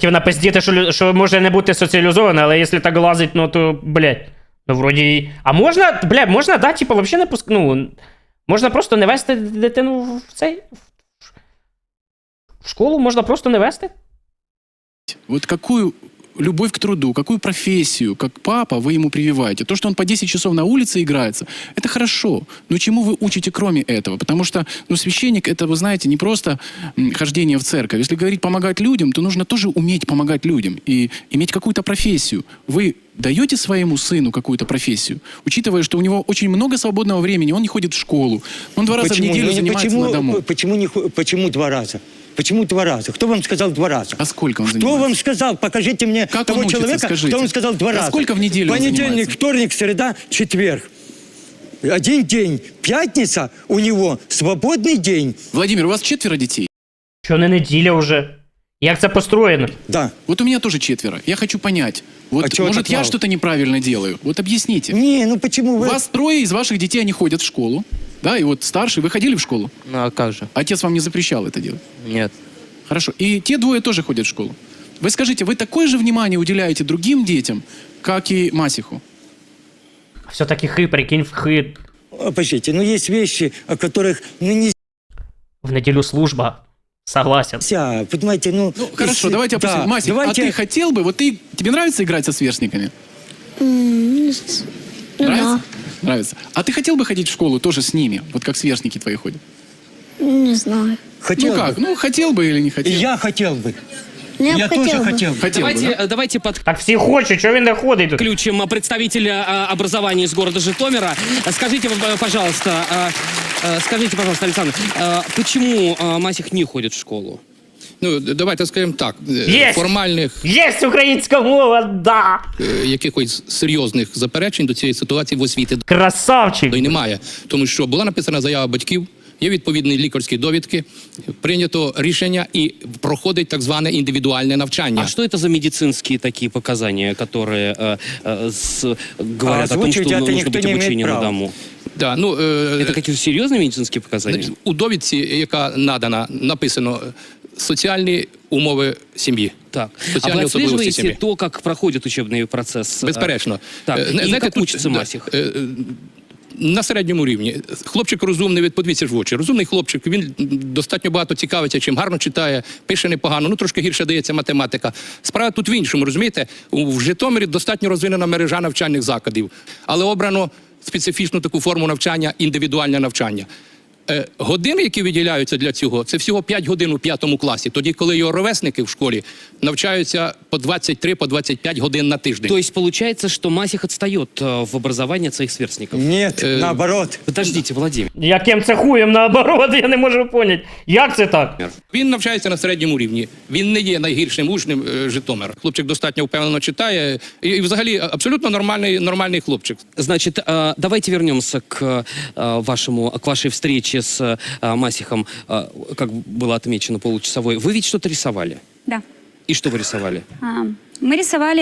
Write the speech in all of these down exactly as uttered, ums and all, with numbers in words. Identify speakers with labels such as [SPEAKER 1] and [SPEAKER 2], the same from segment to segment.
[SPEAKER 1] хотів напиздіти, що, лю- що може не бути соціалізоване, але якщо так лазить, ну то, блядь. Ну, вроді. А можна, блядь, можна, да, типу, взагалі не пуск... Ну, можна просто не вести дитину в цей. В школу можна просто не вести?
[SPEAKER 2] Вот какую любовь к труду, какую профессию, как папа, вы ему прививаете. То, что он по десять часов на улице играется, это хорошо. Но чему вы учите кроме этого? Потому что, ну, священник, это, вы знаете, не просто м, хождение в церковь. Если говорить помогать людям, то нужно тоже уметь помогать людям и иметь какую-то профессию. Вы даете своему сыну какую-то профессию, учитывая, что у него очень много свободного времени, он не ходит в школу, он два раза
[SPEAKER 3] Почему?
[SPEAKER 2] в неделю
[SPEAKER 3] Ну, не
[SPEAKER 2] занимается
[SPEAKER 3] почему,
[SPEAKER 2] на дому.
[SPEAKER 3] Почему, не, хо- почему два раза? Почему два раза? Кто вам сказал два раза?
[SPEAKER 2] А сколько он
[SPEAKER 3] Кто
[SPEAKER 2] занимается?
[SPEAKER 3] вам сказал? Покажите мне
[SPEAKER 2] Как
[SPEAKER 3] того
[SPEAKER 2] он учится,
[SPEAKER 3] человека,
[SPEAKER 2] скажите?
[SPEAKER 3] кто вам сказал два
[SPEAKER 2] А
[SPEAKER 3] раза.
[SPEAKER 2] сколько в неделю он
[SPEAKER 3] Понедельник,
[SPEAKER 2] занимается?
[SPEAKER 3] вторник, среда, четверг. Один день. Пятница у него свободный день.
[SPEAKER 2] Владимир, у вас четверо детей?
[SPEAKER 1] Що не неділя вже? Як це построєно?
[SPEAKER 3] Да.
[SPEAKER 2] Вот у меня тоже четверо. Я хочу понять. Вот,
[SPEAKER 3] А чего
[SPEAKER 2] может,
[SPEAKER 3] так
[SPEAKER 2] я
[SPEAKER 3] мало?
[SPEAKER 2] что-то неправильно делаю? Вот объясните.
[SPEAKER 3] Не, ну почему
[SPEAKER 2] У
[SPEAKER 3] вы...
[SPEAKER 2] вас трое из ваших детей, они ходят в школу. Да, и вот старший, вы ходили в школу?
[SPEAKER 4] Ну а как же?
[SPEAKER 2] Отец вам не запрещал это делать?
[SPEAKER 4] Нет.
[SPEAKER 2] Хорошо. И те двое тоже ходят в школу. Вы скажите, вы такое же внимание уделяете другим детям, как и Масиху?
[SPEAKER 1] Все-таки хи, прикинь, в хи.
[SPEAKER 3] А, Подождите, ну есть вещи, о которых ну,
[SPEAKER 1] В неділю служба. Согласен.
[SPEAKER 3] нельзя, понимаете, ну...
[SPEAKER 2] Ну, хорошо,
[SPEAKER 3] если-
[SPEAKER 2] давайте опустим.
[SPEAKER 3] да,
[SPEAKER 2] Масик,
[SPEAKER 3] давайте...
[SPEAKER 2] а ты хотел бы, вот ты, тебе нравится играть со сверстниками?
[SPEAKER 5] Ну
[SPEAKER 2] Нравится? Нравится. А ты хотел бы ходить в школу тоже с ними, вот как сверстники твои ходят?
[SPEAKER 5] да, не знаю.
[SPEAKER 3] Хотел
[SPEAKER 2] Ну как,
[SPEAKER 3] бы.
[SPEAKER 2] ну хотел бы или не
[SPEAKER 3] И
[SPEAKER 2] хотел?
[SPEAKER 3] я хотел бы.
[SPEAKER 5] Ну,
[SPEAKER 3] Я,
[SPEAKER 5] я бы
[SPEAKER 3] тоже
[SPEAKER 5] хотел бы.
[SPEAKER 3] хотел бы.
[SPEAKER 2] Хотел бы,
[SPEAKER 6] Давайте,
[SPEAKER 2] да?
[SPEAKER 6] э, давайте
[SPEAKER 1] Так всі хочуть, чого він не ходить тут?
[SPEAKER 6] подключим э, представителя э, образования из города Житомира. Э, Скажите, э, пожалуйста, э, э, скажите, пожалуйста, Александр, э, почему э, Масих не ходит в школу?
[SPEAKER 7] Ну, давайте скажемо так, е,
[SPEAKER 1] Єсть!
[SPEAKER 7] формальних
[SPEAKER 1] Єсть українська мова, да!
[SPEAKER 7] е, якихось серйозних заперечень до цієї ситуації в освіті
[SPEAKER 1] Красавчик!
[SPEAKER 7] і немає. Тому що була написана заява батьків, є відповідні лікарські довідки, прийнято рішення і проходить так зване індивідуальне навчання.
[SPEAKER 6] А что это за медицинские такие показания, которые э, э, с- говорят
[SPEAKER 3] А
[SPEAKER 6] о том, что
[SPEAKER 3] озвучивать это
[SPEAKER 6] нужно
[SPEAKER 3] никто
[SPEAKER 6] быть
[SPEAKER 3] не имеет
[SPEAKER 6] обучение на
[SPEAKER 3] права.
[SPEAKER 6] дому?
[SPEAKER 7] Да, ну, е,
[SPEAKER 6] Это какие-то серьезные медицинские показания?
[SPEAKER 7] значить, у довідці, яка надана, написано е, соціальні умови сім'ї.
[SPEAKER 6] Так. А
[SPEAKER 7] Соціальні
[SPEAKER 6] вы
[SPEAKER 7] особливості
[SPEAKER 6] отслеживаете
[SPEAKER 7] сім'ї.
[SPEAKER 6] то, как проходит учебный процесс? э,
[SPEAKER 7] Безперечно.
[SPEAKER 6] Так,
[SPEAKER 7] Е,
[SPEAKER 6] и
[SPEAKER 7] знаєте,
[SPEAKER 6] как
[SPEAKER 7] тут,
[SPEAKER 6] учится
[SPEAKER 7] да,
[SPEAKER 6] Масих?
[SPEAKER 7] е, е, На середньому рівні. Хлопчик розумний, від подивіться ж в очі. Розумний хлопчик, він достатньо багато цікавиться, чим гарно читає, пише непогано, ну трошки гірше дається математика. Справа тут в іншому, розумієте? У- В Житомирі достатньо розвинена мережа навчальних закладів, але обрано специфічну таку форму навчання, індивідуальне навчання. Е, Години, які виділяються для цього, це всього п'ять годин у п'ятому класі. Тоді, коли його ровесники в школі навчаються по двадцять три, по двадцять п'ять годин на тиждень.
[SPEAKER 6] То есть получается, что Масих отстает э, в образовании от своих сверстников?
[SPEAKER 3] Нет,
[SPEAKER 7] Э,
[SPEAKER 3] наоборот.
[SPEAKER 6] Подождите, Владимир.
[SPEAKER 1] Яким це хуєм наоборот, я не можу поняти. Як це так?
[SPEAKER 7] Він навчається на середньому рівні. Він не є найгіршим учнем е, Житомира. Хлопчик достатньо впевнено читає. І, і взагалі абсолютно нормальний, нормальний хлопчик.
[SPEAKER 6] Значит, э, давайте вернемся к э, вашему, к вашей встрече с э, Масихом, э, как было отмечено, получасовой. Вы ведь что-то рисовали?
[SPEAKER 8] Да.
[SPEAKER 6] И что вы рисовали?
[SPEAKER 8] А, Мы рисовали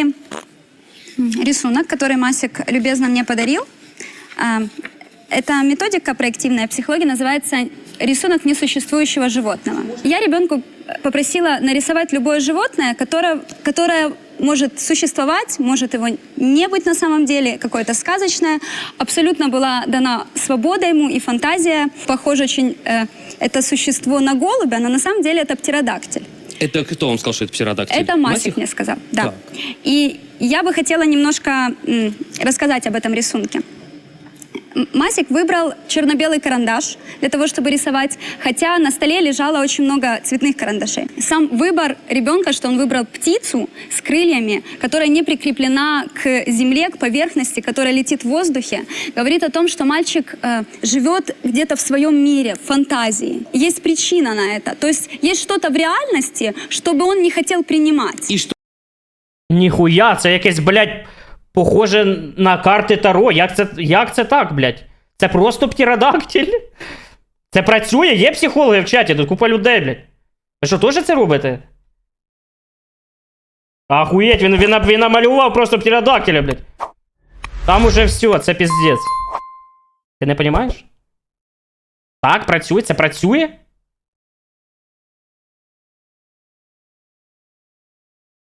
[SPEAKER 8] м, рисунок, который Масик любезно мне подарил. А, Эта методика проективная психология называется «Рисунок несуществующего животного». Я ребенку попросила нарисовать любое животное, которое, которое может существовать, может его не быть на самом деле, какое-то сказочное. Абсолютно была дана свобода ему и фантазия. Похоже очень э, это существо на голубя, но на самом деле это птеродактиль.
[SPEAKER 6] Это кто вам сказал, что это птеродактиль?
[SPEAKER 8] Это Масик мне сказал, да.
[SPEAKER 6] Так.
[SPEAKER 8] И я бы хотела немножко м, рассказать об этом рисунке. М, Масик выбрал черно-белый карандаш для того, чтобы рисовать, хотя на столе лежало очень много цветных карандашей. Сам выбор ребенка, что он выбрал птицу с крыльями, которая не прикреплена к земле, к поверхности, которая летит в воздухе, говорит о том, что мальчик э, живет где-то в своем мире, в фантазии. Есть причина на это. То есть есть что-то в реальности, чтобы он не хотел принимать.
[SPEAKER 6] И что
[SPEAKER 1] Ніхуя, це якесь, блядь, похоже на карти Таро. Як це, як це так, блядь? Це просто птеродактиль? Це працює? Є психологи в чаті, тут купа людей, блядь. Ви що, теж це робите? Ахуєть, він, він, він намалював просто птеродактиля, блядь. Там уже все, це піздець. Ти не розумієш? Так, працює, це працює?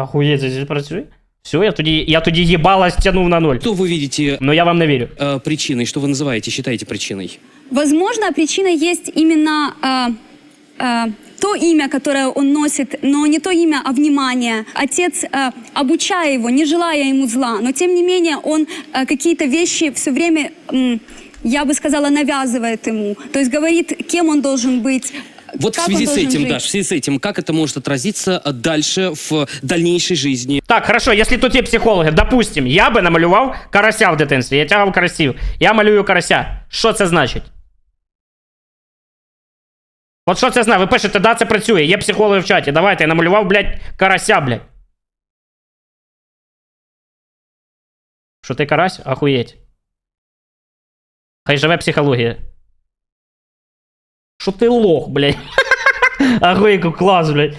[SPEAKER 1] Ахуєть, це здесь працює? Все, я тоді, я тоді їбала стягнув на ноль.
[SPEAKER 6] Что вы видите
[SPEAKER 1] Ну я вам не вірю.
[SPEAKER 6] э, причиной? Что вы называете, считаете причиной?
[SPEAKER 8] Возможно, причиной есть именно а, а, то имя, которое он носит, но не то имя, а внимание. Отец, а, обучая его, не желая ему зла, но тем не менее он а, какие-то вещи все время, м, я бы сказала, навязывает ему. То есть говорит, кем он должен быть.
[SPEAKER 6] Вот
[SPEAKER 8] как
[SPEAKER 6] в связи
[SPEAKER 8] он
[SPEAKER 6] с
[SPEAKER 8] должен
[SPEAKER 6] этим,
[SPEAKER 8] жить.
[SPEAKER 6] Даш, в связи с этим, как это может отразиться э, дальше в дальнейшей жизни?
[SPEAKER 1] Так, хорошо, якщо тут є психологи, допустим, я би намалював карася в дитинстві, я тягав карасів, я малюю карася. Що це значить? От що це значить? Ви пишете, да, це працює, є психологи в чаті, давайте, я намалював, блядь, карася, блядь. Що ти карась? Ахуєть. Хай живе психологія. Що ти лох, блядь. Ахуєть, клас, блядь.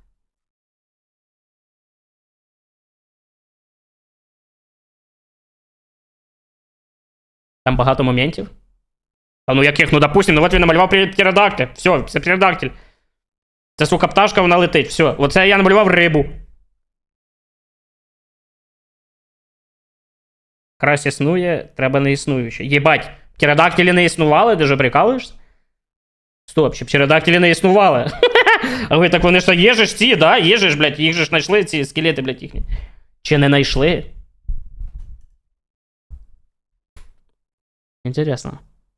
[SPEAKER 1] Там багато моментів. А ну яких? Ну допустим, ну от він намалював птеродактиль. Все, це птеродактиль. Це, сука, пташка, вона летить. Все. Оце я намалював рибу. Карась існує, треба не існуюче. Єбать, птеродактилі не існували, ти же прикалуєшся? Стоп, ще птеродактилі не існували. А ви так вони ж є же ж ці, да? Є же ж, блядь, їх же ж знайшли, ці скелети, блядь, їхні. Чи не знайшли? Интересно.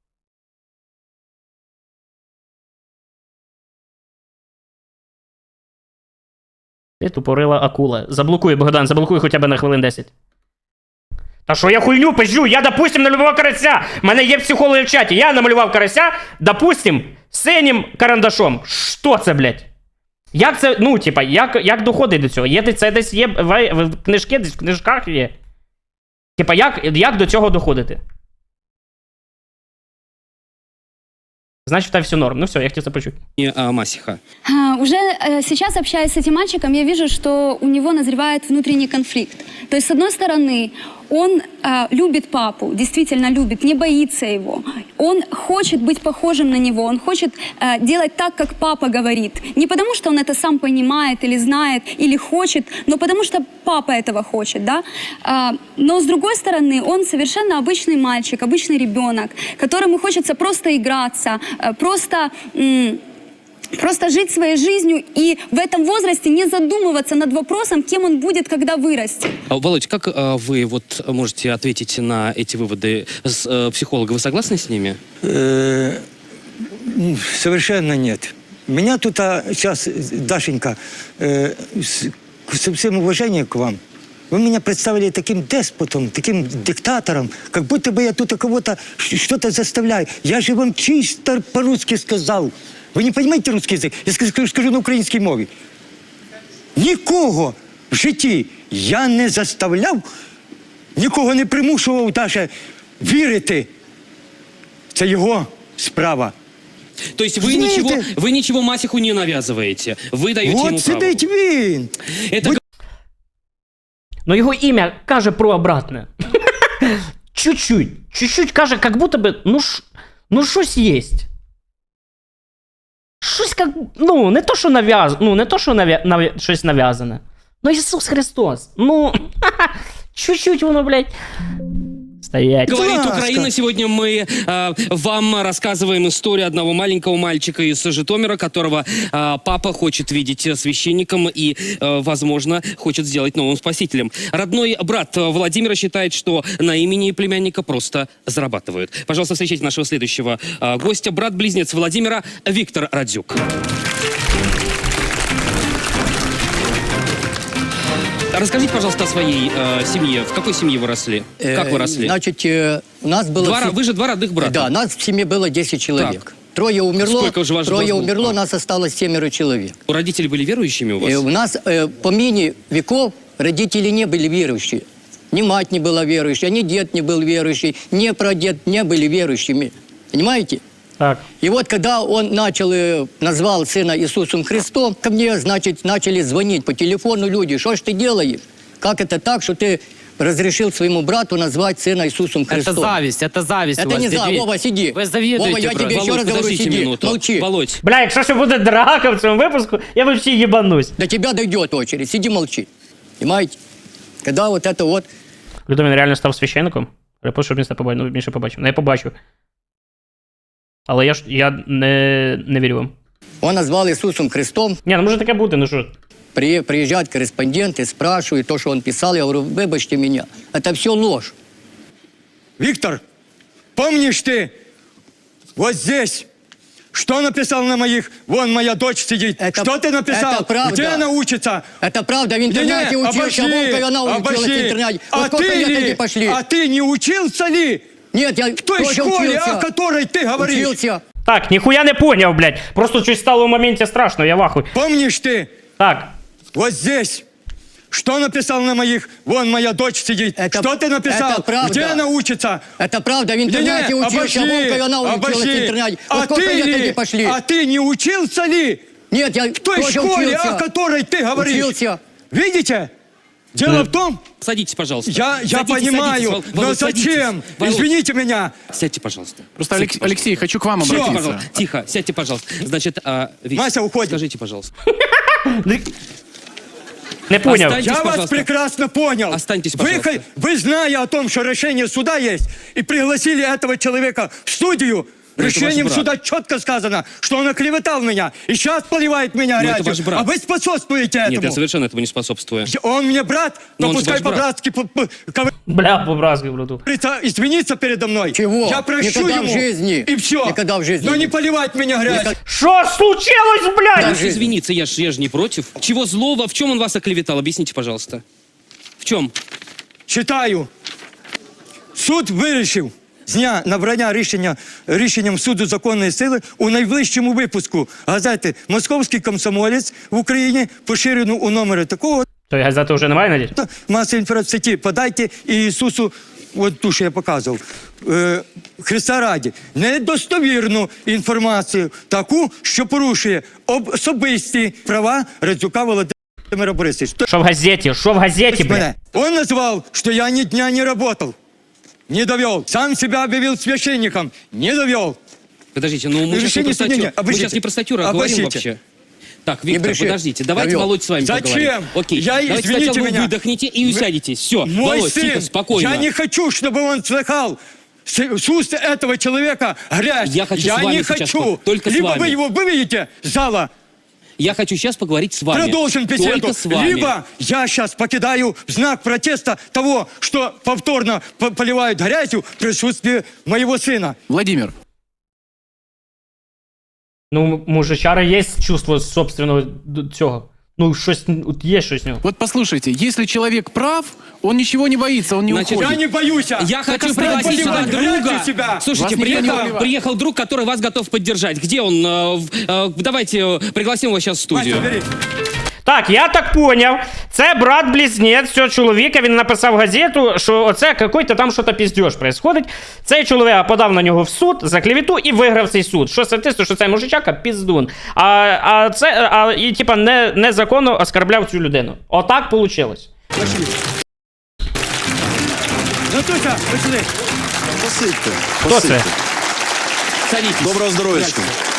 [SPEAKER 1] Ти тупорила акула. Заблокуй, Богдан, заблокуй хоча б на хвилин десять. Та що я хуйню пизжу? Я, допустим, намалював карася. У мене є психологи в чаті. Я намалював карася, допустим, синім карандашом. Що це, блядь? Як це, ну, типа, як, як доходить до цього? Є, це десь є в, в книжки, десь в книжках є. Типа, як, як до цього доходити? Значит, там все норм. Ну все, я хотел это почуть.
[SPEAKER 6] И, а, Масиха.
[SPEAKER 8] А, Уже э, сейчас, общаясь с этим мальчиком, я вижу, что у него назревает внутренний конфликт. То есть, с одной стороны, он э, любит папу, действительно любит, не боится его. Он хочет быть похожим на него, он хочет э, делать так, как папа говорит. Не потому, что он это сам понимает или знает, или хочет, но потому, что папа этого хочет, да. А, но, с другой стороны, он совершенно обычный мальчик, обычный ребенок, которому хочется просто играться, э, просто... М- Просто жить своей жизнью и в этом возрасте не задумываться над вопросом, кем он будет, когда вырастет.
[SPEAKER 6] А, Володь, как а, вы вот можете ответить на эти выводы с, э, психолога? Вы согласны с ними?
[SPEAKER 3] Э, м, Совершенно нет. Меня тут а, сейчас, Дашенька, э, с, со всем уважением к вам, вы меня представили таким деспотом, таким диктатором, как будто бы я тут кого-то ш- что-то заставляю. Я же вам чисто по-русски сказал. Ви не розумієте русский язик? Я скажу, скажу на українській мові. Нікого в житті я не заставляв, нікого не примушував навіть вірити. Це його справа.
[SPEAKER 6] То есть вы
[SPEAKER 3] Знаете-
[SPEAKER 6] ничего, вы ничего Масиху не навязываете? Вы даете ему
[SPEAKER 3] От
[SPEAKER 6] право?
[SPEAKER 3] сидить він.
[SPEAKER 6] Это
[SPEAKER 1] Но його ім'я каже про обратне. Чуть-чуть. Чуть-чуть каже, как будто бы, ну, ш... ну щось єсть. Щось как, ну, не то, що нав'яз... ну, не то, що нав'я... нав'я... щось нав'язане. Ну, Ісус Христос. Ну, чуть-чуть воно, блядь. Стоять.
[SPEAKER 6] Говорит
[SPEAKER 3] Ласка.
[SPEAKER 6] Украина. Сегодня мы э, вам рассказываем историю одного маленького мальчика из Житомира, которого э, папа хочет видеть священником и, э, возможно, хочет сделать новым спасителем. Родной брат Владимира считает, что на имени племянника просто зарабатывают. Пожалуйста, встречайте нашего следующего э, гостя, брат-близнец Владимира Виктор Радзюк. Расскажите, пожалуйста, о своей э, семье. В какой семье вы росли? Как вы росли?
[SPEAKER 4] Значит, э, у нас было...
[SPEAKER 6] Два,
[SPEAKER 4] в се-
[SPEAKER 6] вы же два родных брата.
[SPEAKER 4] Да, нас в семье было десять человек.
[SPEAKER 6] Так.
[SPEAKER 4] Трое умерло,
[SPEAKER 6] Сколько же ваш
[SPEAKER 4] трое
[SPEAKER 6] вас было?
[SPEAKER 4] умерло,
[SPEAKER 6] А.
[SPEAKER 4] нас осталось семеро человек.
[SPEAKER 6] Родители были верующими у вас?
[SPEAKER 4] И у нас э, по мини веков родители не были верующие. Ни мать не была верующей, ни дед не был верующий, ни прадед не были верующими. Понимаете?
[SPEAKER 1] Так.
[SPEAKER 4] И вот когда он начал, э, назвал сына Иисусом Христом, ко мне, значит, начали звонить по телефону люди. Что ж ты делаешь? Как это так, что ты разрешил своему брату назвать сына Иисусом Христом?
[SPEAKER 9] Это зависть, это зависть у
[SPEAKER 4] Это
[SPEAKER 9] вас.
[SPEAKER 4] не зависть.
[SPEAKER 9] Дядя-
[SPEAKER 4] Вова, сиди.
[SPEAKER 9] Вы завидуете
[SPEAKER 4] Вова, я
[SPEAKER 9] просто.
[SPEAKER 4] тебе еще
[SPEAKER 6] Володь,
[SPEAKER 4] раз говорю,
[SPEAKER 6] подождите
[SPEAKER 4] сиди,
[SPEAKER 6] минуту.
[SPEAKER 4] молчи.
[SPEAKER 6] Володь,
[SPEAKER 1] Бля, якщо ще буде драка в цьому випуску, я вообще їбанусь.
[SPEAKER 4] До тебя дойдет очередь, сиди, молчи. Понимаете? Когда вот это вот...
[SPEAKER 1] Людмила реально став священником? Репост, щоб він це побачив. Ну, більше побачив. Ну, я побачив. Але я ж я не, не вірю вам.
[SPEAKER 4] Он назвал Иисусом Христом.
[SPEAKER 1] Ні, ну може таке бути, ну що.
[SPEAKER 4] При, приезжают корреспонденты, спрашивают то, что он писал. Я говорю, выбачьте меня. Это все ложь.
[SPEAKER 3] Виктор, помнишь ты вот здесь, что написал на моих? Вон моя дочь сидит.
[SPEAKER 4] Это-
[SPEAKER 3] что ты написал?
[SPEAKER 4] это правда.
[SPEAKER 3] Где она учится?
[SPEAKER 4] Это правда, в интернете
[SPEAKER 3] Не-не,
[SPEAKER 4] учился,
[SPEAKER 3] обожди,
[SPEAKER 4] вон как она училась в
[SPEAKER 3] обожди.
[SPEAKER 4] интернете.
[SPEAKER 3] А
[SPEAKER 4] Вот сколько
[SPEAKER 3] ты
[SPEAKER 4] лет
[SPEAKER 3] ли?
[SPEAKER 4] они пошли?
[SPEAKER 3] А ты не учился ли
[SPEAKER 4] Нет, я
[SPEAKER 3] в той
[SPEAKER 4] тоже
[SPEAKER 3] школе,
[SPEAKER 4] учился.
[SPEAKER 3] о которой ты говоришь?
[SPEAKER 4] Учился.
[SPEAKER 1] Так, ніхуя не поняв, блядь. Просто щось стало в моменті страшно, я вахуй.
[SPEAKER 3] Помнишь ты
[SPEAKER 1] Так,
[SPEAKER 3] вот здесь, что написал на моих? Вон моя дочь сидит.
[SPEAKER 4] Это-
[SPEAKER 3] что ты написал?
[SPEAKER 4] это правда.
[SPEAKER 3] Где она учится?
[SPEAKER 4] Это правда, в интернете
[SPEAKER 3] Не-не,
[SPEAKER 4] учился, вон как она училась в
[SPEAKER 3] обожди.
[SPEAKER 4] интернете.
[SPEAKER 3] А
[SPEAKER 4] Вот сколько
[SPEAKER 3] ты
[SPEAKER 4] лет они
[SPEAKER 3] ли?
[SPEAKER 4] пошли?
[SPEAKER 3] А ты не учился ли
[SPEAKER 4] Нет, я
[SPEAKER 3] в той
[SPEAKER 4] тоже
[SPEAKER 3] школе,
[SPEAKER 4] учился.
[SPEAKER 3] о которой ты говоришь?
[SPEAKER 4] Учился.
[SPEAKER 3] Видите? Дело в том,
[SPEAKER 6] Садитесь, пожалуйста.
[SPEAKER 3] я, я
[SPEAKER 6] Садитесь,
[SPEAKER 3] понимаю,
[SPEAKER 6] садитесь, Вол-
[SPEAKER 3] но
[SPEAKER 6] Володь, садитесь.
[SPEAKER 3] зачем?
[SPEAKER 6] Володь,
[SPEAKER 3] Извините меня.
[SPEAKER 6] Сядьте, пожалуйста.
[SPEAKER 2] Просто,
[SPEAKER 6] Сядьте,
[SPEAKER 2] Алекс-
[SPEAKER 6] пожалуйста.
[SPEAKER 2] Алексей, хочу к вам
[SPEAKER 3] Всё.
[SPEAKER 6] Сядьте,
[SPEAKER 2] обратиться.
[SPEAKER 6] пожалуйста. Тихо, сядьте, пожалуйста. Значит, а, Вик,
[SPEAKER 3] Мася, уходим.
[SPEAKER 6] скажите, пожалуйста.
[SPEAKER 1] не поняв.
[SPEAKER 6] Останьтесь,
[SPEAKER 3] Я вас
[SPEAKER 6] пожалуйста.
[SPEAKER 3] прекрасно понял.
[SPEAKER 6] Останьтесь,
[SPEAKER 3] вы,
[SPEAKER 6] пожалуйста.
[SPEAKER 3] хо- вы, зная о том, что решение суда есть, и пригласили этого человека в студию,
[SPEAKER 6] это
[SPEAKER 3] решением
[SPEAKER 6] ваш брат.
[SPEAKER 3] суда четко сказано, что он оклеветал меня, и сейчас поливает меня
[SPEAKER 6] Но это
[SPEAKER 3] грязью.
[SPEAKER 6] ваш брат.
[SPEAKER 3] А вы способствуете этому.
[SPEAKER 6] Нет, я совершенно этому не способствую.
[SPEAKER 3] Он мне брат,
[SPEAKER 6] Но
[SPEAKER 3] но
[SPEAKER 6] он же
[SPEAKER 3] пускай
[SPEAKER 6] ваш брат.
[SPEAKER 3] по-братски п- п-
[SPEAKER 1] Бля, по-братськи, брату.
[SPEAKER 3] говорится, извиниться передо мной.
[SPEAKER 4] Чего?
[SPEAKER 3] Я прощу
[SPEAKER 4] Никогда в
[SPEAKER 3] ему.
[SPEAKER 4] жизни.
[SPEAKER 3] И все.
[SPEAKER 4] Никогда в жизни.
[SPEAKER 3] Но не поливать меня грязью.
[SPEAKER 1] Що случилось, блядь?
[SPEAKER 6] Даже извиниться, я же я ж не против. Чего злого? В чем он вас оклеветал? Объясните, пожалуйста. В чем?
[SPEAKER 3] Читаю. Суд вирішив з дня набрання рішення рішенням суду законної сили у найближчому випуску газети «Московський комсомолець» в Україні, поширену у номері такого
[SPEAKER 1] То газети вже немає, надіюсь?
[SPEAKER 3] масової інформації. Подайте Ісусу, от ту, що я показував, е, Христа раді, недостовірну інформацію, таку, що порушує об- особисті права Радзюка Володимира Борисовича.
[SPEAKER 1] Що в газеті? Що в газеті, блядь?
[SPEAKER 3] Меня. Он назвал, что я ни дня не работал. Не довел. Сам себя объявил священником. Не довел.
[SPEAKER 6] Подождите, ну мы сейчас не
[SPEAKER 3] Решение
[SPEAKER 6] про статью,
[SPEAKER 3] судебное.
[SPEAKER 6] мы
[SPEAKER 3] Обождите.
[SPEAKER 6] сейчас не про статью говорим
[SPEAKER 3] Обождите.
[SPEAKER 6] вообще. Так, Виктор,
[SPEAKER 4] бреши.
[SPEAKER 6] подождите, давайте
[SPEAKER 4] Довел.
[SPEAKER 6] Володь с вами
[SPEAKER 3] Зачем?
[SPEAKER 6] поговорим. Окей,
[SPEAKER 3] Я,
[SPEAKER 6] давайте
[SPEAKER 3] извините
[SPEAKER 6] сначала вы
[SPEAKER 3] меня.
[SPEAKER 6] выдохните и усядетесь. Все,
[SPEAKER 3] Мой
[SPEAKER 6] Володь,
[SPEAKER 3] сын,
[SPEAKER 6] тихо, спокойно.
[SPEAKER 3] я не хочу, чтобы он слыхал с, с уст этого человека грязь.
[SPEAKER 6] Я хочу с вами
[SPEAKER 3] не
[SPEAKER 6] сейчас
[SPEAKER 3] хочу.
[SPEAKER 6] по- только с
[SPEAKER 3] Либо
[SPEAKER 6] вами.
[SPEAKER 3] вы его выведете с зала,
[SPEAKER 6] Я хочу сейчас поговорить с вами.
[SPEAKER 3] продолжим беседу.
[SPEAKER 6] Только с вами.
[SPEAKER 3] Либо я сейчас покидаю в знак протеста того, что повторно по- поливают грязью в присутствии моего сына.
[SPEAKER 2] Владимир,
[SPEAKER 1] Ну, мужичара є чувство собственного д- цього. Ну, щось, от є щось в нього.
[SPEAKER 2] вот послушайте, если человек прав, он ничего не боится, он не
[SPEAKER 6] Значит,
[SPEAKER 2] уходит.
[SPEAKER 3] Я не боюсь.
[SPEAKER 6] Я
[SPEAKER 3] Только
[SPEAKER 6] хочу
[SPEAKER 3] стать
[SPEAKER 6] пригласить сюда
[SPEAKER 3] поливать грязью
[SPEAKER 6] друга.
[SPEAKER 3] себя.
[SPEAKER 6] Слушайте,
[SPEAKER 2] Вас никто не
[SPEAKER 6] приехал,
[SPEAKER 2] поливает.
[SPEAKER 6] приехал друг, который вас готов поддержать. Где он? Э, в- э, Давайте э, пригласим его сейчас в студию.
[SPEAKER 3] Мася, бери.
[SPEAKER 1] Так, я так поняв. Це брат-близнець цього чоловіка. Він написав газету, що оце какой-то там що-то піздьош происходить. Цей чоловік подав на нього в суд за клевету і виграв цей суд. Що статисту, що цей мужичака піздун. А, а це, а, і типа не, незаконно оскорбляв цю людину. Отак вийшло.
[SPEAKER 3] Натуся, пошли.
[SPEAKER 9] Посидьте.
[SPEAKER 1] Хто це?
[SPEAKER 6] Садитесь.
[SPEAKER 9] Доброго здоров'ячка.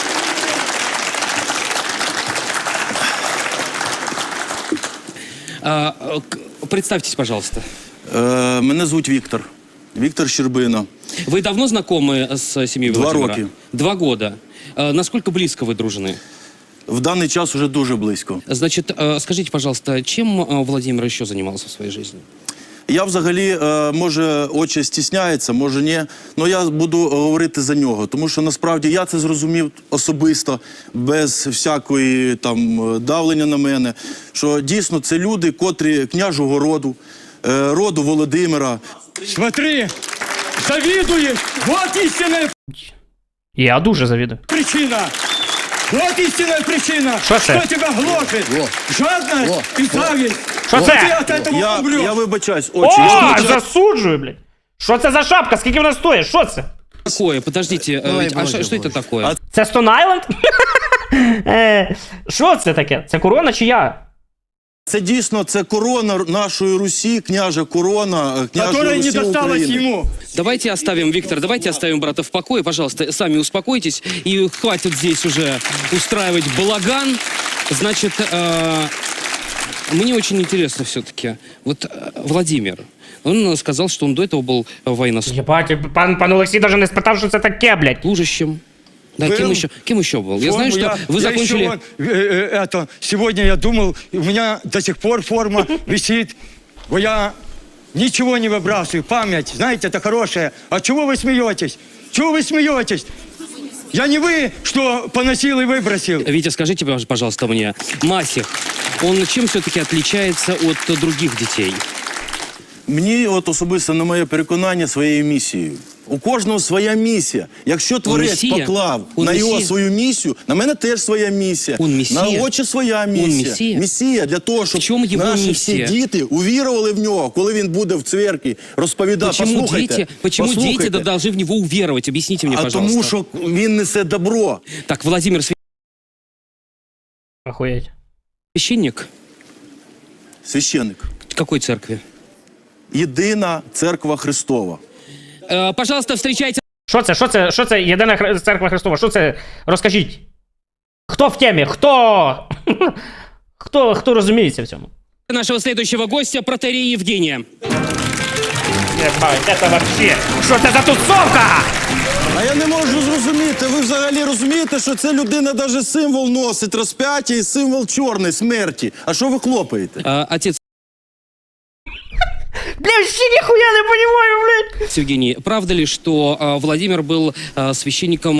[SPEAKER 6] А, э, к- Представьтесь, пожалуйста.
[SPEAKER 9] Е, мене звуть Віктор. Віктор Щербина.
[SPEAKER 6] Вы давно знакомы с семьей
[SPEAKER 9] Два
[SPEAKER 6] Владимира?
[SPEAKER 9] роки.
[SPEAKER 6] Два года. Э, Насколько близко вы дружны?
[SPEAKER 9] В даний час уже дуже близько.
[SPEAKER 6] Значит, э, скажите, пожалуйста, чем э, Владимир еще занимался в своей жизни?
[SPEAKER 9] Я взагалі, е, може, очі стісняється, може ні, але я буду говорити за нього, тому що насправді я це зрозумів особисто, без всякої там давлення на мене, що дійсно це люди, котрі княжого роду, е, роду Володимира.
[SPEAKER 3] Смотри, завидуешь. Вот истинная
[SPEAKER 1] Я дуже завідую.
[SPEAKER 3] причина. Вот истинная причина,
[SPEAKER 1] Что
[SPEAKER 3] что
[SPEAKER 1] это?
[SPEAKER 3] тебя гложет.
[SPEAKER 4] Во.
[SPEAKER 3] Жадность
[SPEAKER 4] Во.
[SPEAKER 3] и зависть.
[SPEAKER 1] Что
[SPEAKER 3] Вот
[SPEAKER 1] это?
[SPEAKER 3] ты от этого
[SPEAKER 9] Я,
[SPEAKER 3] умрешь.
[SPEAKER 9] я вибачаюсь, очі. я
[SPEAKER 1] О,
[SPEAKER 9] вибачаюсь.
[SPEAKER 1] засуджую, блядь. Що це за шапка? Скільки вона стоїть? Що це?
[SPEAKER 6] Такое, подождите, э,
[SPEAKER 4] Ой,
[SPEAKER 6] ведь- а
[SPEAKER 4] боже,
[SPEAKER 6] что, что это
[SPEAKER 4] боже.
[SPEAKER 6] такое?
[SPEAKER 9] А-
[SPEAKER 1] Це Stone Island? Е, Що це таке? Це корона чи я?
[SPEAKER 9] Це дійсно, це корона нашої Русі, княжа корона, е, княжої
[SPEAKER 3] Которая не
[SPEAKER 9] Русі
[SPEAKER 3] досталась
[SPEAKER 9] України.
[SPEAKER 3] ему.
[SPEAKER 6] Давайте оставим, Виктор, давайте оставим брата в покое, пожалуйста, сами успокойтесь, и хватит здесь уже устраивать балаган. Значит, э, Мне очень интересно все-таки. Вот э, Владимир, он э, сказал, что он до этого был э, военнослужащим.
[SPEAKER 1] Єбать, пан, пан Олексій навіть не спитав, що це таке, блядь.
[SPEAKER 6] Да,
[SPEAKER 3] Был.
[SPEAKER 6] кем еще, кем еще был? Я знаю,
[SPEAKER 3] Форму
[SPEAKER 6] что вы
[SPEAKER 3] я
[SPEAKER 6] закончили...
[SPEAKER 3] еще вон, э, э, это, сегодня я думал, у меня до сих пор форма висит, но я ничего не выбрасываю. Память, знаете, это хорошая. А чего вы смеетесь? Чего вы смеетесь? Я не вы, что поносил и выбросил.
[SPEAKER 6] Витя, скажите, пожалуйста, мне, Масих, он чем все-таки отличается от других детей?
[SPEAKER 9] Мені от особисто, на моє переконання, своєю місією. У кожного своя місія. Якщо творець
[SPEAKER 6] месія?
[SPEAKER 9] поклав
[SPEAKER 6] Он
[SPEAKER 9] на його
[SPEAKER 6] месія?
[SPEAKER 9] свою місію, на мене теж своя місія.
[SPEAKER 6] Он месія?
[SPEAKER 9] На очі своя місія.
[SPEAKER 6] месія?
[SPEAKER 9] Місія для того,
[SPEAKER 6] В
[SPEAKER 9] щоб
[SPEAKER 6] чому його
[SPEAKER 9] наші
[SPEAKER 6] місія?
[SPEAKER 9] всі діти увірували в нього, коли він буде в церкві розповідати.
[SPEAKER 6] Почему
[SPEAKER 9] Послухайте,
[SPEAKER 6] дети, почему
[SPEAKER 9] послухайте.
[SPEAKER 6] дети должны в него уверовать? Объясните мне,
[SPEAKER 9] А
[SPEAKER 6] пожалуйста.
[SPEAKER 9] тому, що він несе добро.
[SPEAKER 6] Так, Владимир
[SPEAKER 1] Охуєть.
[SPEAKER 6] священник?
[SPEAKER 9] Священник.
[SPEAKER 6] Какой церкви?
[SPEAKER 9] Єдина церква Христова.
[SPEAKER 6] Э, пожалуйста, встречайте
[SPEAKER 1] Що це? Що це? Що це? Єдина Хри- церква Христова? Що це? Розкажіть. Хто в темі? Хто? Хто, хто розуміється в цьому?
[SPEAKER 6] нашего следующего гостя, протоиерея Евгения.
[SPEAKER 1] Єбать, це вообще. Що це за тусовка?
[SPEAKER 9] А я не можу зрозуміти, ви взагалі розумієте, що ця людина навіть символ носить розп'яття і символ чорної смерті. А що ви хлопаєте?
[SPEAKER 6] Э, отец
[SPEAKER 1] Бля, ще ніхуя не понимаю, блядь.
[SPEAKER 6] Евгений, правда ли, что э, Владимир был э, священником?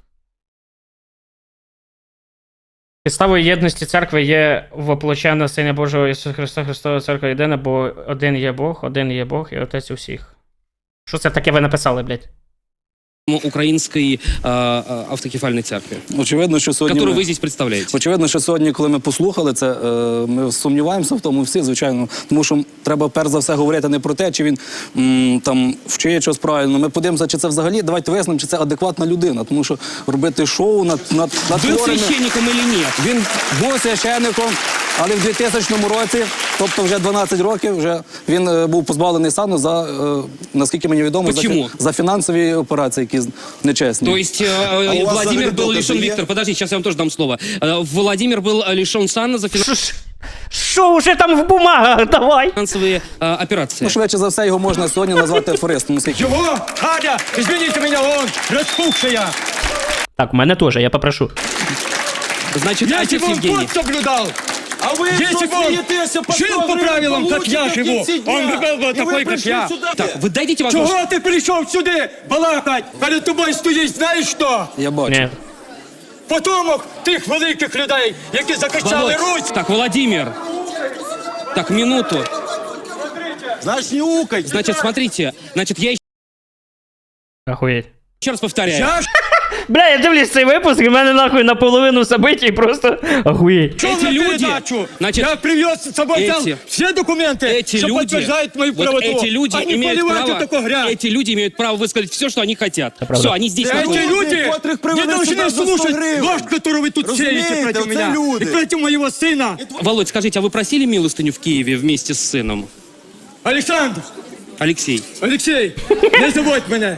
[SPEAKER 1] Підставою єдності церкви є воплощена Сина Божого Ісуса Христа, Христова Церква єдина, бо один є Бог, один є Бог і Отець усіх. Що це таке ви написали, блядь?
[SPEAKER 6] Украинской э, э, автокефальной церкви,
[SPEAKER 10] Очевидно, що сьогодні
[SPEAKER 6] которую
[SPEAKER 10] ми-
[SPEAKER 6] вы здесь представляете.
[SPEAKER 10] Очевидно, що сьогодні, коли ми послухали це, е, ми сумніваємося в тому всі, звичайно. Тому що треба перш за все говорити не про те, чи він м, там вчиє щось правильно. Ми подивимося, чи це взагалі, давайте вияснимо, чи це адекватна людина. Тому що робити шоу над, над, над
[SPEAKER 6] Был
[SPEAKER 10] хворими-
[SPEAKER 6] священником или нет?
[SPEAKER 10] Він був священником, але в двохтисячному році, тобто вже дванадцять років, вже він е, був позбавлений сану за, е, наскільки мені відомо, за,
[SPEAKER 6] Почему?
[SPEAKER 10] фі- за фінансові операції, які з- нечесні.
[SPEAKER 6] То есть э,
[SPEAKER 9] у вас
[SPEAKER 6] Владимир
[SPEAKER 9] взагалі
[SPEAKER 6] был
[SPEAKER 9] докази
[SPEAKER 6] лишен...
[SPEAKER 9] є?
[SPEAKER 6] Виктор, подожди, сейчас я вам тоже дам слово. Э, Владимир был э, лишен сана за
[SPEAKER 1] Що ж- Що вже там в бумагах? Давай.
[SPEAKER 6] финансовые э, операции.
[SPEAKER 10] Ну, швидше за все, його можна сьогодні назвати афористом, оскільки
[SPEAKER 3] Чего? Адя, извините меня, он распухшая.
[SPEAKER 1] Так, в мене теж, я попрошу.
[SPEAKER 6] Значит,
[SPEAKER 3] Я
[SPEAKER 6] отец
[SPEAKER 3] его
[SPEAKER 6] Евгений.
[SPEAKER 3] год соблюдал.
[SPEAKER 9] А ви
[SPEAKER 3] Если бы он жил по правилам, как я живу, он бы был бы такой, как я.
[SPEAKER 6] Так, вы дадите возможность...
[SPEAKER 3] Чего ты пришел сюда балакать? Перед тобою стоїть, знаєш що?
[SPEAKER 10] я бачу.
[SPEAKER 1] Ні.
[SPEAKER 3] Потомок тих великих людей, які закачали
[SPEAKER 6] Володь.
[SPEAKER 3] Русь.
[SPEAKER 6] Так, Владимир. Так, минуту.
[SPEAKER 9] Знаєш, не укайте.
[SPEAKER 6] Значит, смотрите. Значит, я
[SPEAKER 1] Охуєть.
[SPEAKER 6] еще раз повторяю.
[SPEAKER 3] Я ж
[SPEAKER 1] Бля, я дивлюсь цей випуск, і в мене нахуй наполовину событий просто охуєть.
[SPEAKER 3] шел
[SPEAKER 6] Эти
[SPEAKER 3] на
[SPEAKER 6] люди,
[SPEAKER 3] передачу.
[SPEAKER 6] значит,
[SPEAKER 3] я привез с собой взял
[SPEAKER 6] эти-
[SPEAKER 3] все документы,
[SPEAKER 6] Эти
[SPEAKER 3] что
[SPEAKER 6] люди,
[SPEAKER 3] подтверждают мою
[SPEAKER 6] вот
[SPEAKER 3] правоту.
[SPEAKER 6] эти люди
[SPEAKER 3] Они
[SPEAKER 6] имеют
[SPEAKER 3] поливают
[SPEAKER 6] право,
[SPEAKER 3] вот такую грязь.
[SPEAKER 6] эти люди имеют право высказать все, что они хотят.
[SPEAKER 1] правда.
[SPEAKER 6] Все, они здесь
[SPEAKER 3] Эти
[SPEAKER 6] находятся.
[SPEAKER 3] люди
[SPEAKER 9] котрих
[SPEAKER 3] не
[SPEAKER 9] привели
[SPEAKER 3] должны
[SPEAKER 9] сюда за сто
[SPEAKER 3] слушать
[SPEAKER 9] гривен.
[SPEAKER 3] ложь, которую вы тут
[SPEAKER 9] Разумеете,
[SPEAKER 3] сеете против
[SPEAKER 9] это
[SPEAKER 3] меня
[SPEAKER 9] люди.
[SPEAKER 3] и против моего сына.
[SPEAKER 6] Володь, скажите, а вы просили милостыню в Киеве вместе с сыном?
[SPEAKER 3] Александр,
[SPEAKER 6] Алексей.
[SPEAKER 3] Алексей, не забудь меня.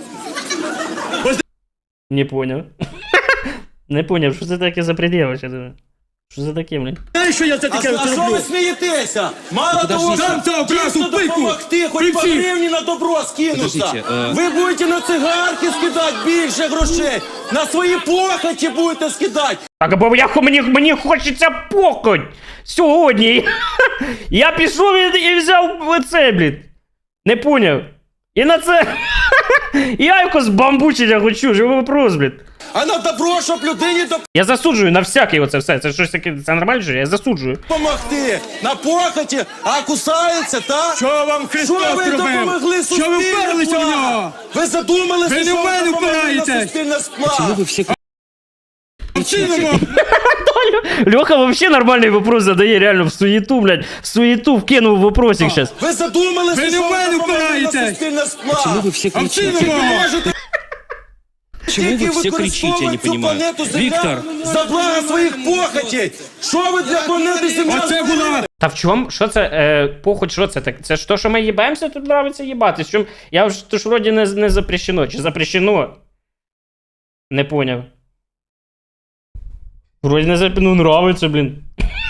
[SPEAKER 1] Не поняв. Не поняв, що це таке за пред'ява? Що це? Що це таке, блін?
[SPEAKER 3] Знаешь, что я за
[SPEAKER 9] А,
[SPEAKER 3] такое
[SPEAKER 9] а що
[SPEAKER 3] роблю?
[SPEAKER 9] ви смієтеся? Мало
[SPEAKER 6] Подождите.
[SPEAKER 9] того,
[SPEAKER 3] Сам
[SPEAKER 9] що
[SPEAKER 3] цього брасу
[SPEAKER 9] дійсно
[SPEAKER 3] пику.
[SPEAKER 9] допомогти, хоч по
[SPEAKER 3] Припсі.
[SPEAKER 9] гривні на добро скинуться.
[SPEAKER 6] Подождите, е.
[SPEAKER 9] Ви будете на цигарки скидати більше грошей, на свої похоті будете скидати.
[SPEAKER 1] Так, бо я, мені, мені хочеться похоть сьогодні. Я пішов і, і взяв оце, блін. Не поняв. І на це... Яйко з бамбучення хочу, живий вопрос, блін.
[SPEAKER 9] А на добро, щоб людині
[SPEAKER 1] Я засуджую на всяке оце все. Це щось таке, це нормально, що я засуджую.
[SPEAKER 9] допомогти. На похоті, а кусається, так?
[SPEAKER 3] Що вам Христос
[SPEAKER 9] Що ви
[SPEAKER 3] зробив?
[SPEAKER 9] допомогли
[SPEAKER 3] Що ви
[SPEAKER 9] суспільному
[SPEAKER 3] вперлися в
[SPEAKER 9] благу?
[SPEAKER 3] нього?
[SPEAKER 9] Ви задумалися,
[SPEAKER 3] Ви не
[SPEAKER 9] що
[SPEAKER 3] в
[SPEAKER 9] ви
[SPEAKER 3] мене
[SPEAKER 9] допомогли на
[SPEAKER 3] впираєтесь.
[SPEAKER 9] суспільне сплав?
[SPEAKER 6] Почему вы все
[SPEAKER 3] Синому,
[SPEAKER 1] Льоха вообще нормальний вопрос задає, реально, в суєту, блядь. В суєту вкинув вопросик щас.
[SPEAKER 9] Ви задумалися,
[SPEAKER 3] Ви не
[SPEAKER 9] що
[SPEAKER 3] в мене
[SPEAKER 9] ви допомогли на
[SPEAKER 3] впираєтесь.
[SPEAKER 9] суспільне сплав?
[SPEAKER 6] Почему вы все
[SPEAKER 3] а в
[SPEAKER 6] кричите?
[SPEAKER 3] синому.
[SPEAKER 9] Можете
[SPEAKER 6] Почему
[SPEAKER 9] тільки
[SPEAKER 6] вы все кричите, я не
[SPEAKER 9] використовувати цю
[SPEAKER 6] понимаю.
[SPEAKER 9] планету Земля
[SPEAKER 6] Виктор,
[SPEAKER 9] за благо своїх похотей. Що ви для планети Земля
[SPEAKER 3] оце
[SPEAKER 9] зробили?
[SPEAKER 3] була
[SPEAKER 1] Та в чому? Що це? Е, похоть, що це? Так, це ж то, що ми їбаємося, тут нравиться їбати. Чому? Я ж то ж вроді не, не запрещено. Чи запрещено? Не поняв. Вроді не запрещено. Ну, нравиться, блін.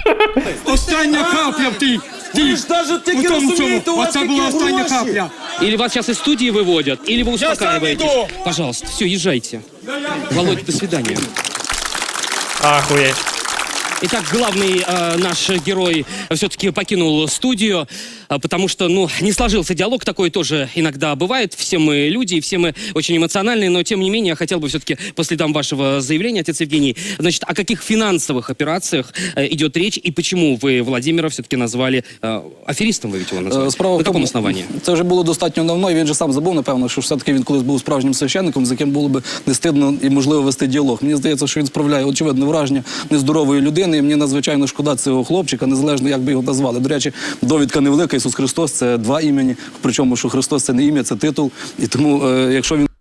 [SPEAKER 11] Остання капля в тій.
[SPEAKER 9] Ви ж навіть тільки розумієте, у вас
[SPEAKER 11] Оце
[SPEAKER 9] які
[SPEAKER 11] була остання
[SPEAKER 9] гроші.
[SPEAKER 11] капля.
[SPEAKER 6] Или вас сейчас из студии выводят, или вы успокаиваетесь.
[SPEAKER 9] иду.
[SPEAKER 6] Пожалуйста, все, езжайте. Володя, до свидания.
[SPEAKER 1] Ахуєть.
[SPEAKER 6] Итак, главный э, наш герой все-таки покинул студию, э, потому что, ну, не сложился диалог, такой тоже иногда бывает. Все мы люди, все мы очень эмоциональные, но, тем не менее, я хотел бы все-таки по следам вашего заявления, отец Евгений, значит, о каких финансовых операциях э, идет речь, и почему вы Владимира все-таки назвали э, аферистом, вы ведь его назвали?
[SPEAKER 10] Е, Справа
[SPEAKER 6] На
[SPEAKER 10] в тому,
[SPEAKER 6] каком основании?
[SPEAKER 10] Це вже було достатньо давно, і він же сам забув, напевно, що все-таки він колись був справжнім священником, з яким було б не стидно і можливо вести діалог. Мені здається, що він справляє очевидне враження нездорової людини, і мені надзвичайно шкода цього хлопчика, незалежно як би його назвали. До речі, довідка невелика, Ісус Христос – це два імені, причому, що Христос – це не ім'я, це титул. І тому, е, якщо він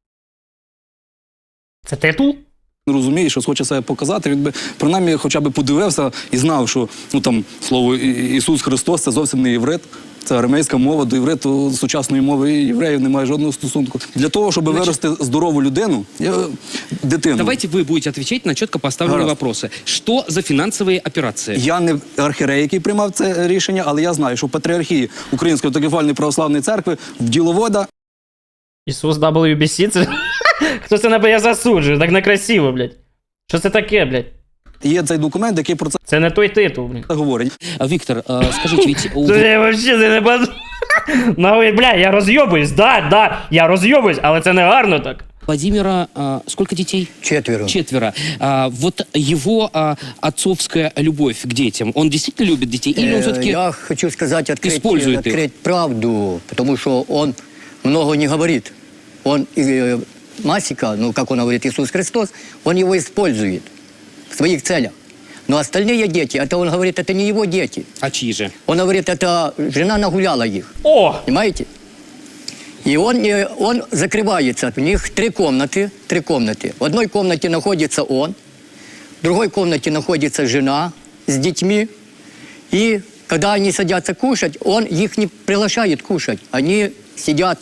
[SPEAKER 1] Це титул?
[SPEAKER 10] розуміє, що хоче себе показати, він би принаймні хоча б подивився і знав, що ну, там, слово «І- Ісус Христос – це зовсім не єврит. Це арамейська мова, до євриту сучасної мови і євреїв немає жодного стосунку. Для того, щоб вирости здорову людину, я, дитину.
[SPEAKER 6] Давайте вы будете отвечать на четко поставленные
[SPEAKER 10] Гаразд.
[SPEAKER 6] вопросы. Что за финансовые операции?
[SPEAKER 10] Я не архієрей, який приймав це рішення, але я знаю, що в Патріархії Української автокефальної православної церкви в діловода
[SPEAKER 1] Ісус дабл ю бі сі? Це... Хто це набе я засуджую? Так некрасиво, блядь. Що це таке, блядь?
[SPEAKER 10] є цей документ, який про це
[SPEAKER 1] Це не той титул, блядь.
[SPEAKER 10] говорить.
[SPEAKER 6] А, Виктор, э, скажите, ведь у...
[SPEAKER 1] Це я вообще це не бачу. Нахуй, бля, я розйобуюсь, да, да, я розйобуюсь, але це не гарно так.
[SPEAKER 6] Владимира а, сколько детей?
[SPEAKER 4] Четверо.
[SPEAKER 6] Четверо. А, вот его а, отцовская любовь к детям, он действительно любит детей? Или он
[SPEAKER 4] Э,
[SPEAKER 6] все-таки...
[SPEAKER 4] Я хочу сказать, открыть,
[SPEAKER 6] использует их?
[SPEAKER 4] открыть правду, потому что он много не говорит. Он, э, Масика, ну, как он говорит, Иисус Христос, он его использует в своих целях. Но остальные дети, это он говорит, это не его дети.
[SPEAKER 6] А чьи же?
[SPEAKER 4] Он говорит, это жена нагуляла их.
[SPEAKER 1] О!
[SPEAKER 4] Понимаете? И он, э, он закрывается. У них три комнаты, три комнаты. В одной комнате находится он, в другой комнате находится жена с детьми. И когда они садятся кушать, он их не приглашает кушать. Они сидят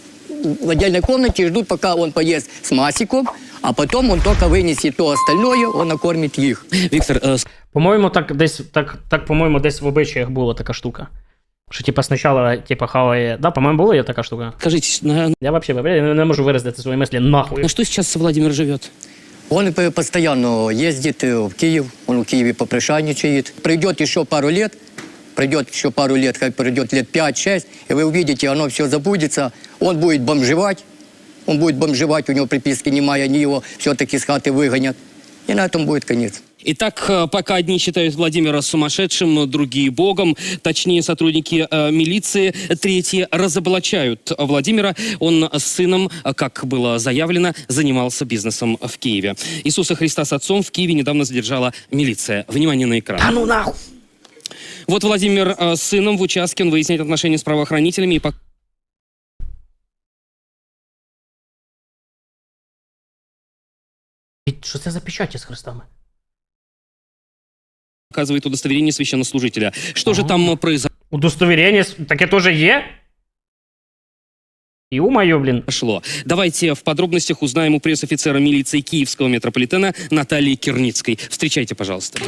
[SPEAKER 4] в отдельной комнате и ждут, пока он поест с Масиком, а потом он только вынесет то остальное, он накормит их.
[SPEAKER 6] Виктор, э,
[SPEAKER 1] По-моєму, так десь, так, так, по-моєму, десь в обичаях була така штука. Що, типа, спочатку, типа, хаває... Да, по-моєму, була така штука.
[SPEAKER 6] скажите, на,
[SPEAKER 1] Я вообще, бля, я не можу виразити свої мислі нахуй.
[SPEAKER 6] на что сейчас Владимир живет?
[SPEAKER 4] Он п- постоянно ездит э, в Киев, он в Киеве попрошайничает. Пройдет еще пару лет, пройдет еще пару лет, как пройдет лет пять-шесть, и вы увидите, оно все забудется, он будет бомжевать, он будет бомжевать, у него приписки немає, они его все-таки с хаты выгонят, и на этом будет конец.
[SPEAKER 6] Итак, э, пока одни считают Владимира сумасшедшим, другие богом, точнее сотрудники э, милиции, третьи разоблачают Владимира. Он с сыном, э, как было заявлено, занимался бизнесом в Киеве. Иисуса Христа с отцом в Киеве недавно задержала милиция. Внимание на экран.
[SPEAKER 1] А ну нахуй!
[SPEAKER 6] Вот Владимир э, с сыном в участке, он выясняет отношения с правоохранителями и пока...
[SPEAKER 1] Що це за печаті з хрестами?
[SPEAKER 6] показывает удостоверение священнослужителя. Что же там э, произошло?
[SPEAKER 1] Удостоверення, таке теж є? Ё-моё, блін.
[SPEAKER 6] Давайте в подробностях узнаем у пресс-офицера милиции Киевского метрополитена Натальи Кирницкой. Встречайте, пожалуйста.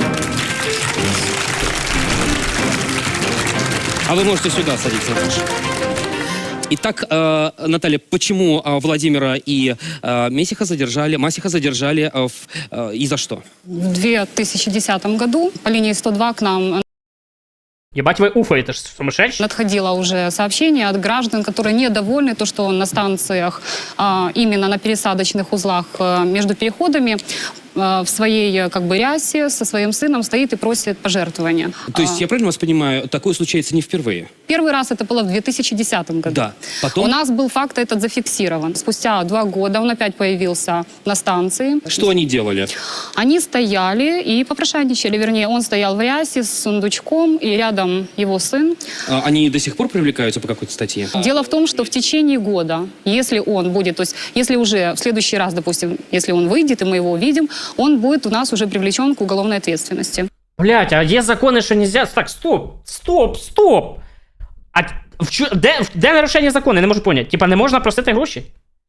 [SPEAKER 6] А вы можете сюда садиться, Наташа. Итак, э, Наталья, почему э, Владимира и э, Месиха задержали, Масиха задержали э, в, э, и за что?
[SPEAKER 12] В две тысячи десятом году по линии сто два к нам
[SPEAKER 1] Ебать, вы уфаете, ж сумасшедший?
[SPEAKER 12] надходило уже сообщение от граждан, которые недовольны то, что на станциях, а, именно на пересадочных узлах а, между переходами а, в своей как бы рясе со своим сыном стоит и просит пожертвования.
[SPEAKER 6] То есть,
[SPEAKER 12] А,
[SPEAKER 6] я правильно вас понимаю, такое случается не впервые?
[SPEAKER 12] Первый раз это было в две тысячи десятом году.
[SPEAKER 6] Да. Потом?
[SPEAKER 12] У нас был факт этот зафиксирован. Спустя два года он опять появился на станции.
[SPEAKER 6] Что они делали?
[SPEAKER 12] Они стояли и попрошайничали, вернее, он стоял в рясе с сундучком, и рядом его сын.
[SPEAKER 6] А, Они до сих пор привлекаются по какой-то статье?
[SPEAKER 12] Дело в том, что в течение года, если он будет, то есть если уже в следующий раз, допустим, если он выйдет, и мы его увидим, он будет у нас уже привлечен к уголовной ответственности.
[SPEAKER 1] Блять, а є закони, що нельзя... Так, стоп, стоп, стоп! А в чу... де, де нарушення закону? Я не можу поняти. Типа не можна просити гроші?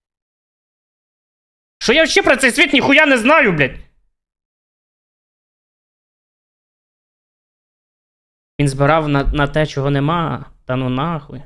[SPEAKER 1] Що я ще про цей світ ніхуя не знаю, блядь? Він збирав на, на те, чого нема. Та ну нахуй.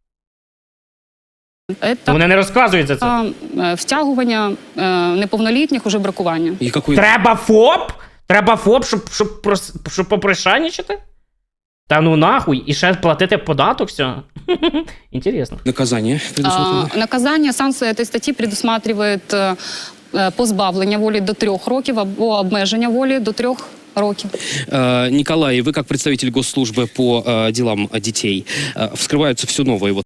[SPEAKER 12] Это
[SPEAKER 1] Вони не розказують за це.
[SPEAKER 12] а, е, втягування е, неповнолітніх у жебракування.
[SPEAKER 6] И какой...
[SPEAKER 1] Треба ФОП? Треба ФОП, щоб, щоб, прос- щоб попришайничати? Та ну нахуй, і ще платити податок, все. Інтересно.
[SPEAKER 6] Наказание предусмотрено?
[SPEAKER 12] А, наказание, санкція этой статті предусматриває е, е, позбавлення волі до трьох років або обмеження волі до трьох років.
[SPEAKER 6] Э, Николай, вы как представитель госслужбы по э, делам детей, э, вскрываются все новые вот